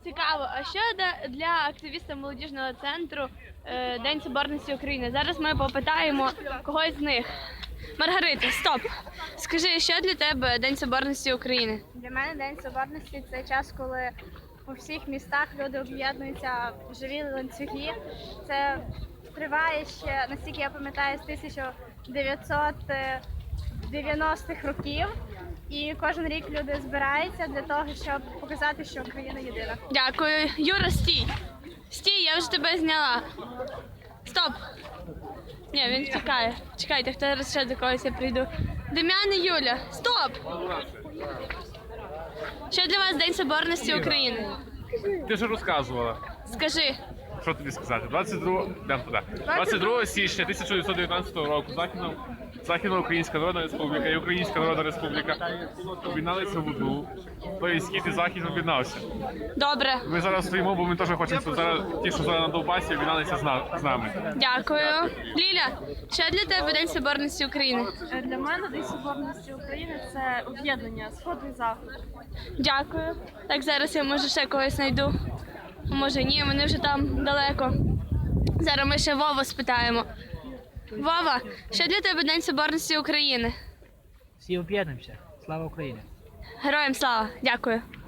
Цікаво, а що для активіста молодіжного центру День Соборності України? Зараз ми попитаємо когось з них. Маргарита, стоп! Скажи, що для тебе День Соборності України? Для мене День Соборності – це час, коли у всіх містах люди об'єднуються в живі ланцюги. Це триває ще, наскільки я пам'ятаю, з 1990-х років. І кожен рік люди збираються для того, щоб показати, що Україна єдина. Дякую. Юра, стій! Стій, я вже тебе зняла. Стоп! Ні, він втікає. Чекайте, хто зараз ще до когось я прийду. Дем'ян і Юля, стоп! Що для вас День Соборності України? Ти ж розказувала. Скажи. Що тобі сказати? 22 січня 1919 року Західноукраїнська Народна Республіка і Українська Народна Республіка об'єдналися в одну. Тобто Схід і Захід об'єднався. Добре. Ми зараз стоїмо, бо ми теж хочемо, щоб ті, що зараз на Донбасі, об'єдналися з нами. Дякую. Ліля, що для тебе День Соборності України? Для мене День Соборності України – це об'єднання Сход і Захід. Дякую. Так, зараз я може ще когось знайду. А може ні, вони вже там далеко. Зараз ми ще Вову спитаємо. Вова, що для тебе День Соборності України? Всі об'єднуємося. Слава Україні! Героям слава! Дякую.